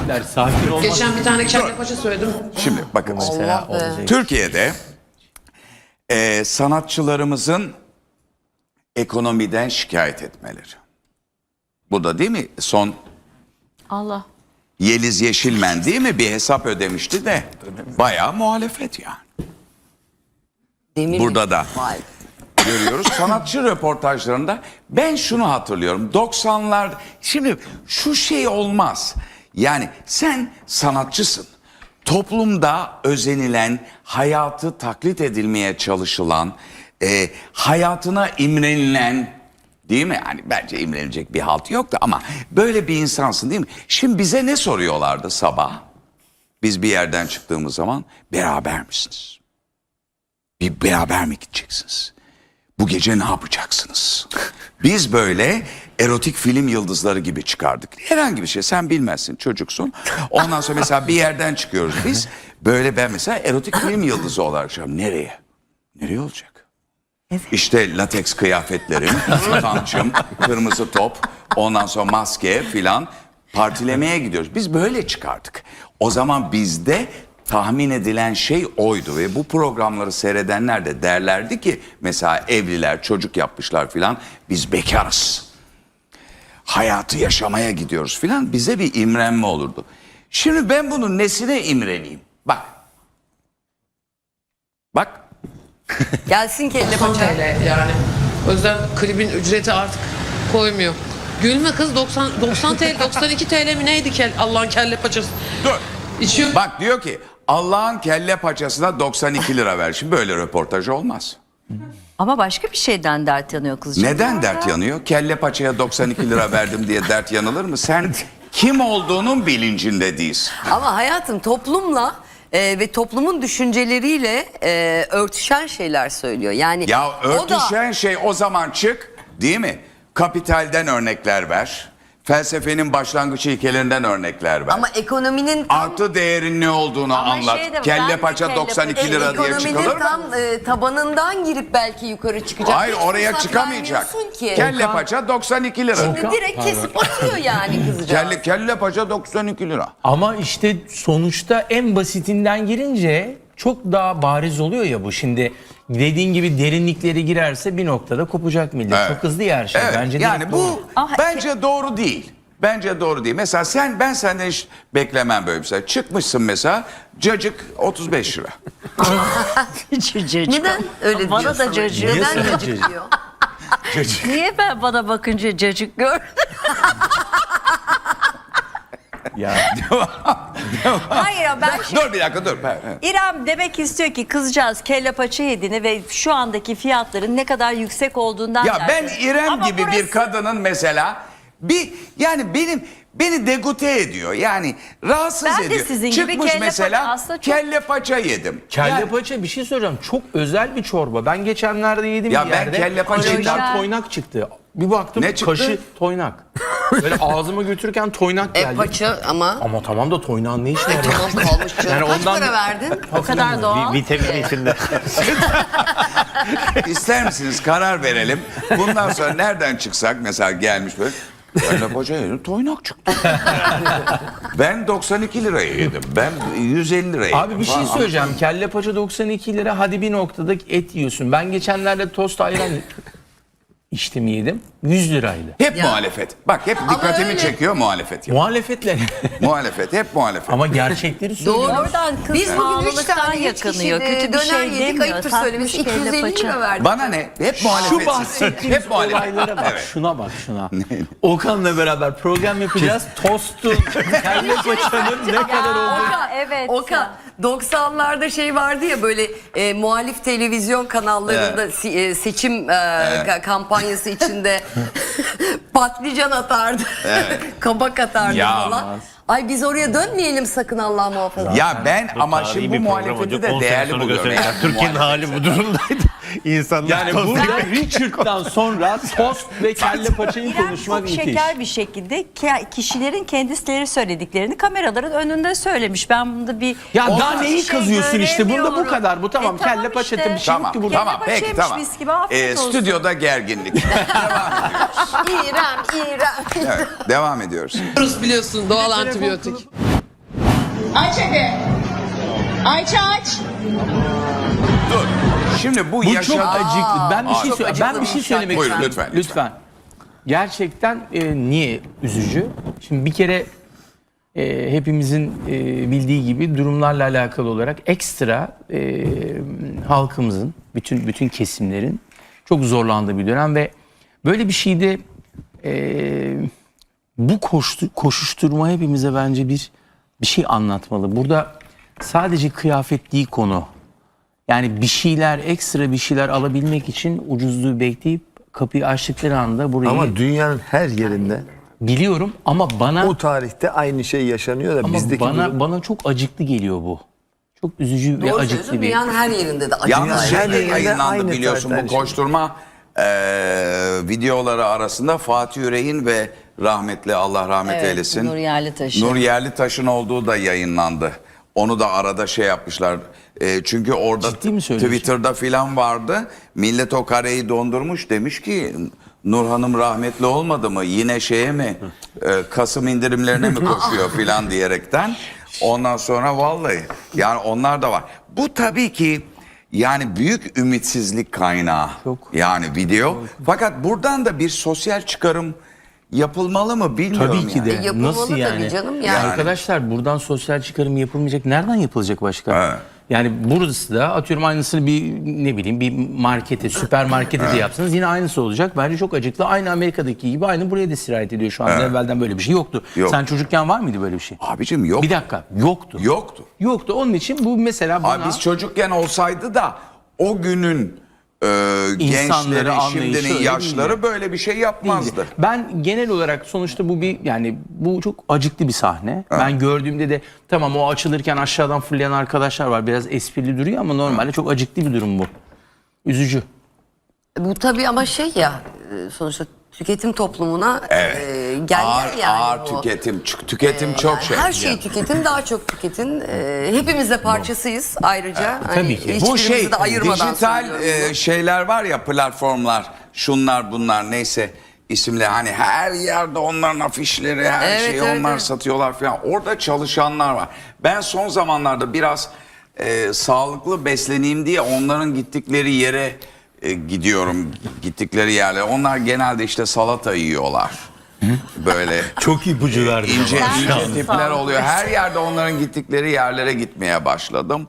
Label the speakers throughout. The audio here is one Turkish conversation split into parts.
Speaker 1: Erkekler sakin olmak.
Speaker 2: Geçen bir tane kelle paça söyledim.
Speaker 3: Şimdi bakın.
Speaker 1: Mesela olacak.
Speaker 3: Türkiye'de sanatçılarımızın ekonomiden şikayet etmeleri. Bu da değil mi? Son
Speaker 4: Allah.
Speaker 3: Yeliz Yeşilmen değil mi? Bir hesap ödemişti de bayağı muhalefet yani.
Speaker 5: Demir
Speaker 3: Burada da
Speaker 5: Vay.
Speaker 3: görüyoruz. Sanatçı röportajlarında ben şunu hatırlıyorum. 90'lar şimdi şu şey olmaz. Yani sen sanatçısın. Toplumda özenilen, hayatı taklit edilmeye çalışılan, hayatına imrenilen, değil mi? Yani bence imrenilecek bir halt yoktu ama böyle bir insansın değil mi? Şimdi bize ne soruyorlardı sabah? Biz bir yerden çıktığımız zaman beraber misiniz? Bir beraber mi gideceksiniz? Bu gece ne yapacaksınız? Biz böyle erotik film yıldızları gibi çıkardık. Herhangi bir şey sen bilmezsin, çocuksun. Ondan sonra mesela bir yerden çıkıyoruz biz. Böyle ben mesela erotik film yıldızı olarak çıkıyorum. Nereye? Nereye olacak?
Speaker 4: Evet.
Speaker 3: İşte lateks kıyafetlerim, tançım, kırmızı top, ondan sonra maske filan partilemeye gidiyoruz. Biz böyle çıkardık. O zaman bizde tahmin edilen şey oydu ve bu programları seyredenler de derlerdi ki mesela evliler, çocuk yapmışlar filan, biz bekarız. Hayatı yaşamaya gidiyoruz filan, bize bir imrenme olurdu. Şimdi ben bunun nesine imreneyim? Bak. Bak.
Speaker 5: Gelsin kelle
Speaker 2: 90
Speaker 5: paça.
Speaker 2: TL yani. O yüzden klibin ücreti artık koymuyor. Gülme kız 90 TL 92 TL mi neydi Allah'ın kelle paçası.
Speaker 3: Dur.
Speaker 2: İçiyor.
Speaker 3: Bak diyor ki Allah'ın kelle paçasına 92 lira ver. Şimdi böyle röportaj olmaz.
Speaker 4: Ama başka bir şeyden dert yanıyor kızcağız.
Speaker 3: Neden dert yanıyor? Kelle paçaya 92 lira verdim diye dert yanılır mı? Sen kim olduğunun bilincinde değilsin.
Speaker 5: Ama hayatım toplumla ve toplumun düşünceleriyle örtüşen şeyler söylüyor. Yani
Speaker 3: Ya
Speaker 5: o da
Speaker 3: örtüşen şey o zaman çık değil mi? Kapitalden örnekler ver. Felsefenin başlangıç ilkelerinden örnekler ver.
Speaker 5: ama ekonominin tam,
Speaker 3: Artı değerin ne olduğunu
Speaker 4: Ama
Speaker 3: anlat.
Speaker 4: şey de var,
Speaker 3: Kelle
Speaker 4: ben de
Speaker 3: paça
Speaker 4: kelle
Speaker 3: 92 lira diye
Speaker 5: ekonominin
Speaker 3: çıkılır mı?
Speaker 5: tam tabanından girip belki yukarı çıkacak.
Speaker 3: Hayır
Speaker 5: Hiç
Speaker 3: oraya
Speaker 5: fırsat
Speaker 3: çıkamayacak.
Speaker 5: vermiyorsun ki.
Speaker 3: Kelle paça 92 lira.
Speaker 5: Şimdi direkt kesip atıyor yani kızcağız.
Speaker 3: Kelle paça 92 lira.
Speaker 1: Ama işte sonuçta en basitinden girince çok daha bariz oluyor ya bu. Şimdi dediğin gibi derinlikleri girerse bir noktada kopacak millet.
Speaker 3: Evet.
Speaker 1: Çok hızlı ya her şey.
Speaker 3: Evet,
Speaker 1: Bence
Speaker 3: yani
Speaker 1: direkt
Speaker 3: bu
Speaker 1: doğru.
Speaker 3: bence doğru değil. Bence doğru değil. Mesela ben senden hiç beklemem böyle bir şey. Çıkmışsın mesela cacık 35 lira.
Speaker 5: Neden öyle
Speaker 4: Bana
Speaker 5: diyorsun?
Speaker 4: da cacık.
Speaker 5: Neden
Speaker 1: Niye
Speaker 5: cacık diyor?
Speaker 4: Niye ben bana bakınca cacık gör?
Speaker 1: Ya.
Speaker 4: Hayır ben şimdi...
Speaker 3: Dur bir dakika dur.
Speaker 4: İrem demek istiyor ki kızcağız kelle paça yediğini ve şu andaki fiyatların ne kadar yüksek olduğundan
Speaker 3: Ya ben
Speaker 4: dert-
Speaker 3: İrem
Speaker 4: Ama
Speaker 3: gibi bir
Speaker 4: burası-
Speaker 3: kadının mesela yani beni degute ediyor. Yani rahatsız
Speaker 4: Ben de
Speaker 3: ediyor.
Speaker 4: sizin gibi
Speaker 3: Çıkmış
Speaker 4: kelle
Speaker 3: mesela
Speaker 4: paça aslında çok-
Speaker 3: kelle paça yedim.
Speaker 1: Kelle
Speaker 3: Yani-
Speaker 1: paça bir şey söyleyeceğim. Çok özel bir çorba. Ben geçenlerde yedim
Speaker 3: Ya
Speaker 1: bir
Speaker 3: ben
Speaker 1: yerde.
Speaker 3: kelle paça
Speaker 1: İçinden
Speaker 4: yedim.
Speaker 1: toynak çıktı. Bir baktım
Speaker 3: Ne çıktı?
Speaker 1: kaşı toynak. Böyle ağzıma götürürken toynak geldi.
Speaker 5: Paça ama
Speaker 1: Ama tamam da toynağın ne işine yarıyor?
Speaker 5: tamam kalmış canım.
Speaker 1: Yani
Speaker 5: Kaç
Speaker 1: ondan-
Speaker 5: para verdin?
Speaker 4: O kadar doğal.
Speaker 1: Vitamin içinde.
Speaker 3: İster misiniz karar verelim. Bundan sonra nereden çıksak mesela gelmiş böyle. Kelle paça yedim toynak çıktı. Ben 92 liraya yedim. Ben 150 liraya yedim.
Speaker 1: Abi bir şey
Speaker 3: falan.
Speaker 1: söyleyeceğim. Kelle paça 92 lira. Hadi bir noktada et yiyorsun. Ben geçenlerde tost ayran içtim yedim. 100 liraydı.
Speaker 3: Hep muhalefet. Bak hep dikkatimi
Speaker 5: öyle.
Speaker 3: çekiyor muhalefet.
Speaker 1: Muhalefetle.
Speaker 3: Muhalefet hep muhalefet.
Speaker 1: Ama gerçekleri söylüyor.
Speaker 5: Doğru.
Speaker 4: Oradan kız
Speaker 5: Biz bugün 3
Speaker 4: pahalılıktan
Speaker 5: tane
Speaker 4: yakınıyor. Kötü bir
Speaker 5: döner
Speaker 4: şey
Speaker 5: yedik.
Speaker 4: demiyor.
Speaker 5: Ayıptır
Speaker 4: Tatmış
Speaker 5: söylemesi.
Speaker 4: kelle
Speaker 5: 250
Speaker 4: paça.
Speaker 5: lira verdik.
Speaker 3: Bana ne? Hep muhalefet.
Speaker 1: Şu bahsettiğimiz
Speaker 3: Hep muhalefet.
Speaker 1: olaylara bak.
Speaker 3: Evet.
Speaker 1: Şuna bak şuna. Okan'la beraber program yapacağız. Tostun, kelle paçanın ne kadar olduğunu.
Speaker 4: Evet.
Speaker 5: Oka 90'larda şey vardı ya böyle muhalif televizyon kanallarında seçim kampanyası içinde patlıcan atardı. Kabak atardı
Speaker 3: Ya.
Speaker 5: falan. Ay biz oraya dönmeyelim sakın Allah muhafaza.
Speaker 3: Ya ben ama şimdi bu muhalefeti de değerli buluyorum. Yani
Speaker 6: Türkiye'nin hali bu durumdaydı. İnsanlar
Speaker 1: Yani burada Richard'dan sonra tost ve kelle paçayı
Speaker 4: İrem
Speaker 1: konuşmak
Speaker 4: çok
Speaker 1: müthiş.
Speaker 4: şeker bir şekilde kişilerin kendileri söylediklerini kameraların önünde söylemiş. Ben bunda bir...
Speaker 1: Ya
Speaker 4: Olmaz
Speaker 1: daha neyi
Speaker 4: bir şey
Speaker 1: kazıyorsun işte? Bunda bu
Speaker 4: göremiyorum.
Speaker 1: kadar. Bu tamam.
Speaker 4: Tamam
Speaker 1: Kelle paça
Speaker 4: işte.
Speaker 1: bir şey yok
Speaker 3: Tamam
Speaker 1: ki burada.
Speaker 3: tamam peki
Speaker 4: paçaymış
Speaker 3: tamam.
Speaker 4: mis gibi, afiyet olsun.
Speaker 3: Stüdyoda gerginlik.
Speaker 5: İrem.
Speaker 3: Evet, devam ediyoruz.
Speaker 2: Biliyorsun doğal antibiyotik.
Speaker 7: Aç hadi. Ayça aç.
Speaker 3: Dur. Şimdi bu
Speaker 1: Bu
Speaker 3: yaşa...
Speaker 1: çok acıklı. Ben bir şey
Speaker 5: çok acıklı
Speaker 1: ben bir şey
Speaker 5: bir
Speaker 1: söylemek
Speaker 3: Buyurun,
Speaker 1: istiyorum.
Speaker 3: lütfen.
Speaker 1: Gerçekten niye üzücü? Şimdi bir kere hepimizin bildiği gibi durumlarla alakalı olarak ekstra halkımızın, bütün kesimlerin çok zorlandığı bir dönem ve böyle bir şeyde bu koşuşturma hepimize bence bir şey anlatmalı. Burada sadece kıyafet değil konu. Yani bir şeyler, ekstra bir şeyler alabilmek için ucuzluğu bekleyip kapıyı açtıkları anda burayı
Speaker 8: Ama dünyanın her yerinde
Speaker 1: biliyorum ama bana
Speaker 8: o tarihte aynı şey yaşanıyor da
Speaker 1: ama
Speaker 8: bizdeki durum-
Speaker 1: bana çok acıklı geliyor bu. Çok üzücü ve
Speaker 5: Doğru
Speaker 1: acıklı
Speaker 5: söylüyorsun.
Speaker 1: bir.
Speaker 5: Dünyanın her yerinde de acı.
Speaker 3: Yalnız
Speaker 8: Dünya
Speaker 3: şey
Speaker 8: her
Speaker 3: de
Speaker 8: yerinde
Speaker 3: yayınlandı
Speaker 8: aynı
Speaker 3: biliyorsun
Speaker 8: tarihten
Speaker 3: bu
Speaker 8: şey.
Speaker 3: koşturma videoları arasında Fatih Yüreğin ve rahmetli Allah rahmet
Speaker 4: Evet,
Speaker 3: eylesin.
Speaker 4: Nur Yerlitaş'ın.
Speaker 3: Nur Yerlitaş'ın olduğu da yayınlandı. Onu da arada şey yapmışlar. Çünkü orada
Speaker 1: Ciddi mi söylüyorsun?
Speaker 3: Twitter'da filan vardı. Millet o kareyi dondurmuş demiş ki Nur Hanım rahmetli olmadı mı? Yine şeye mi? Kasım indirimlerine mi koşuyor filan diyerekten. Ondan sonra vallahi yani onlar da var. Bu tabii ki yani büyük ümitsizlik kaynağı.
Speaker 1: Çok.
Speaker 3: Yani video. Fakat buradan da bir sosyal çıkarım yapılmalı mı bilmiyorum.
Speaker 1: Tabii ki de.
Speaker 3: yani.
Speaker 5: Yapılmalı
Speaker 1: Nasıl
Speaker 5: tabii
Speaker 1: yani?
Speaker 5: canım,
Speaker 1: Ya
Speaker 5: yani.
Speaker 1: arkadaşlar buradan sosyal çıkarım yapılmayacak. Nereden yapılacak başka?
Speaker 3: Evet.
Speaker 1: Yani burası da atıyorum aynısını bir ne bileyim bir markete, süpermarkete de yapsanız yine aynısı olacak. Bence çok acıklı. Aynı Amerika'daki gibi aynı buraya da sirayet ediyor şu anda. Evvelden böyle bir şey yoktu.
Speaker 3: Yok.
Speaker 1: Sen çocukken var mıydı böyle bir şey?
Speaker 3: Abicim yok.
Speaker 1: Bir dakika. Yoktu.
Speaker 3: Yoktu.
Speaker 1: Yoktu. Onun için bu mesela bana
Speaker 3: Abi biz çocukken olsaydı da o günün gençleri,
Speaker 1: anlayışı
Speaker 3: şimdinin
Speaker 1: öyle
Speaker 3: yaşları
Speaker 1: değildi.
Speaker 3: böyle bir şey yapmazdı.
Speaker 1: değildi. Ben genel olarak sonuçta bu bir yani bu çok acıklı bir sahne. Ben gördüğümde de tamam o açılırken aşağıdan fırlayan arkadaşlar var. Biraz esprili duruyor ama normalde çok acıklı bir durum bu. Üzücü.
Speaker 5: Bu tabii ama şey ya sonuçta tüketim toplumuna gel
Speaker 3: Ağır,
Speaker 5: yani
Speaker 3: ağır
Speaker 5: bu.
Speaker 3: tüketim çok şey.
Speaker 5: Her şeyi tüketin, daha çok tüketin. Hepimiz de parçasıyız ayrıca.
Speaker 1: tabii ki.
Speaker 3: Bu
Speaker 5: hiçbirimizi
Speaker 3: şey
Speaker 5: de ayırmadan
Speaker 3: dijital
Speaker 5: söylüyorum bunu.
Speaker 3: şeyler var ya, platformlar, şunlar bunlar neyse isimli, hani her yerde onların afişleri, her
Speaker 5: Evet,
Speaker 3: şeyi
Speaker 5: evet,
Speaker 3: onlar
Speaker 5: evet.
Speaker 3: satıyorlar falan. Orada çalışanlar var. Ben son zamanlarda biraz sağlıklı besleneyim diye onların gittikleri yere gidiyorum. Gittikleri yerlere. Onlar genelde işte salata yiyorlar. Böyle
Speaker 6: Çok ipucu verdi.
Speaker 3: ince
Speaker 6: bana.
Speaker 3: tipler oluyor. Her yerde onların gittikleri yerlere gitmeye başladım.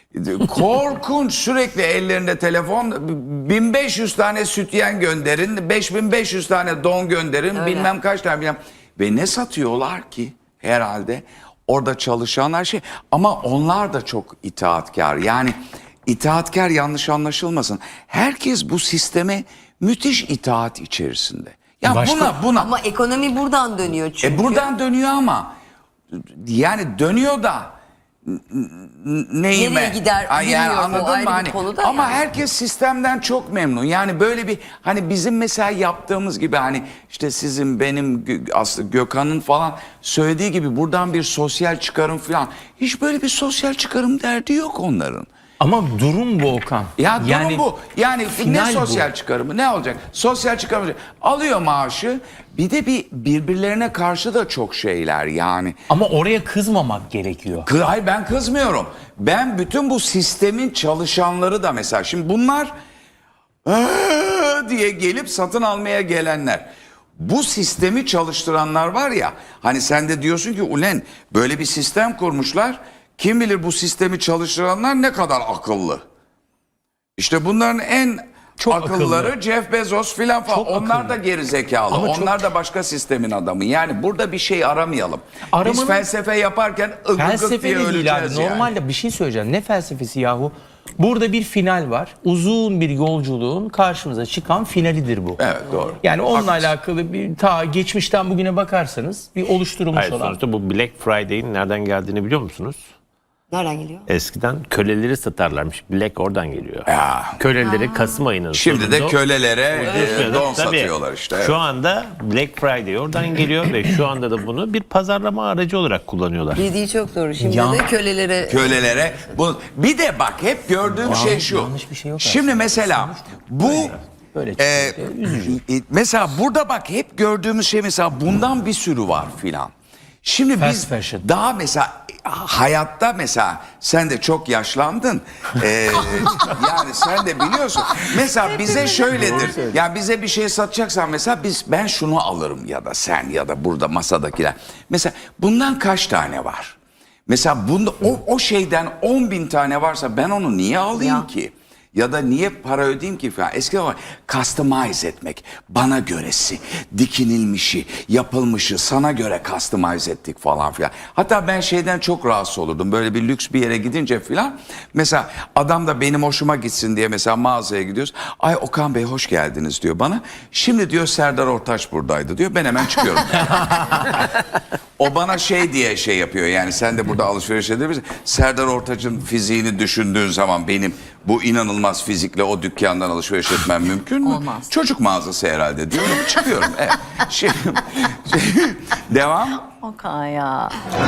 Speaker 3: Korkunç, sürekli ellerinde telefon, 1500 tane sütyen gönderin, 5500 tane don gönderin, bilmem kaç tane bilmem. Ve ne satıyorlar ki herhalde orada çalışanlar şey, ama onlar da çok itaatkar. Yani itaatkar yanlış anlaşılmasın. Herkes bu sisteme müthiş itaat içerisinde. Ya buna
Speaker 5: Ama ekonomi buradan dönüyor çünkü.
Speaker 3: buradan dönüyor ama yani dönüyor da neyime?
Speaker 5: Nereye gider
Speaker 3: Ay, yani
Speaker 5: bilmiyorum, o
Speaker 3: anladın
Speaker 5: ayrı
Speaker 3: mı?
Speaker 5: bir
Speaker 3: Hani,
Speaker 5: konu da
Speaker 3: ama
Speaker 5: yani.
Speaker 3: herkes sistemden çok memnun. Yani böyle bir hani bizim mesela yaptığımız gibi, hani işte sizin, benim, aslında Gökhan'ın falan söylediği gibi buradan bir sosyal çıkarım falan. Hiç böyle bir sosyal çıkarım derdi yok onların.
Speaker 1: Ama durum bu Okan.
Speaker 3: Ya durum bu. Yani ne
Speaker 1: final
Speaker 3: sosyal
Speaker 1: bu.
Speaker 3: çıkarımı, ne olacak? Sosyal çıkarımı alıyor maaşı. Bir de birbirlerine karşı da çok şeyler yani.
Speaker 1: Ama oraya kızmamak gerekiyor.
Speaker 3: Hayır, ben kızmıyorum. Ben bütün bu sistemin çalışanları da mesela, şimdi bunlar diye gelip satın almaya gelenler. Bu sistemi çalıştıranlar var ya, hani sen de diyorsun ki ulen böyle bir sistem kurmuşlar. Kim bilir bu sistemi çalıştıranlar ne kadar akıllı. İşte bunların en
Speaker 1: Çok
Speaker 3: akılları
Speaker 1: akıllı.
Speaker 3: Jeff Bezos filan falan.
Speaker 1: Çok
Speaker 3: Onlar
Speaker 1: akıllı.
Speaker 3: da geri zekalı.
Speaker 1: Ama
Speaker 3: Onlar da başka sistemin adamı. Yani burada bir şey aramayalım. Biz
Speaker 1: Aramanın-
Speaker 3: felsefe yaparken ıgı
Speaker 1: Felsefe
Speaker 3: diye
Speaker 1: de değil
Speaker 3: öleceğiz
Speaker 1: abi.
Speaker 3: yani.
Speaker 1: Normalde bir şey söyleyeceğim. Ne felsefesi yahu? Burada bir final var. Uzun bir yolculuğun karşımıza çıkan finalidir bu.
Speaker 3: Evet, doğru.
Speaker 1: Yani onunla
Speaker 3: Haklısın.
Speaker 1: alakalı bir ta geçmişten bugüne bakarsanız bir oluşturulmuş
Speaker 6: Hayır,
Speaker 1: olan.
Speaker 6: sonuçta bu Black Friday'in nereden geldiğini biliyor musunuz?
Speaker 5: Nereden geliyor?
Speaker 6: Eskiden köleleri satarlarmış. Black oradan geliyor.
Speaker 3: Ya.
Speaker 6: Köleleri Kasım ayının
Speaker 3: Şimdi de
Speaker 6: sonunda-
Speaker 3: kölelere don
Speaker 6: Tabii.
Speaker 3: satıyorlar işte. Evet.
Speaker 6: Şu anda Black Friday oradan geliyor ve şu anda da bunu bir pazarlama aracı olarak kullanıyorlar.
Speaker 5: Dediği çok doğru. Şimdi
Speaker 1: Ya.
Speaker 5: de kölelere
Speaker 3: Kölelere. Bir de bak, hep gördüğüm şey şu.
Speaker 1: yanlış bir şey yok
Speaker 3: Şimdi
Speaker 1: aslında.
Speaker 3: mesela bu
Speaker 1: Böyle çıkıyor. Üzücü.
Speaker 3: mesela burada bak hep gördüğümüz şey, mesela bundan bir sürü var filan. Şimdi
Speaker 1: Fast
Speaker 3: biz
Speaker 1: fashion.
Speaker 3: daha mesela hayatta mesela sen de çok yaşlandın. Yani sen de biliyorsun. Mesela bize şöyledir. Ya bize bir şey satacaksan mesela ben şunu alırım ya da sen ya da burada masadakiler. Mesela bundan kaç tane var? Mesela bunda o şeyden 10.000 tane varsa ben onu niye alayım ki? Ya da niye para ödeyeyim ki falan. Eskiden var customize etmek. Bana göresi, dikinilmişi, yapılmışı sana göre customize ettik falan filan. Hatta ben şeyden çok rahatsız olurdum. Böyle bir lüks bir yere gidince filan. Mesela adam da benim hoşuma gitsin diye mesela mağazaya gidiyoruz. Ay Okan Bey hoş geldiniz diyor bana. Şimdi diyor Serdar Ortaç buradaydı diyor. Ben hemen çıkıyorum. O bana şey diye şey yapıyor yani sen de burada alışveriş edebilirsin. Serdar Ortaç'ın fiziğini düşündüğün zaman benim bu inanılmaz fizikle o dükkandan alışveriş etmem mümkün mü?
Speaker 4: Olmaz.
Speaker 3: Çocuk mağazası herhalde diyorum çıkıyorum. Evet. Devam.
Speaker 4: Okan ya.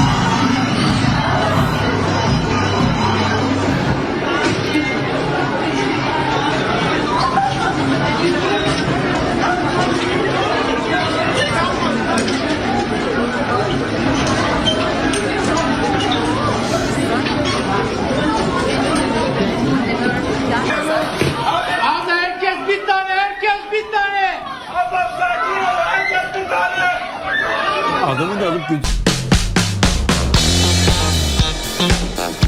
Speaker 9: Abi herkes bir tane, herkes bir tane. Adam sakin ol, herkes bir tane.
Speaker 6: Adamı da alıp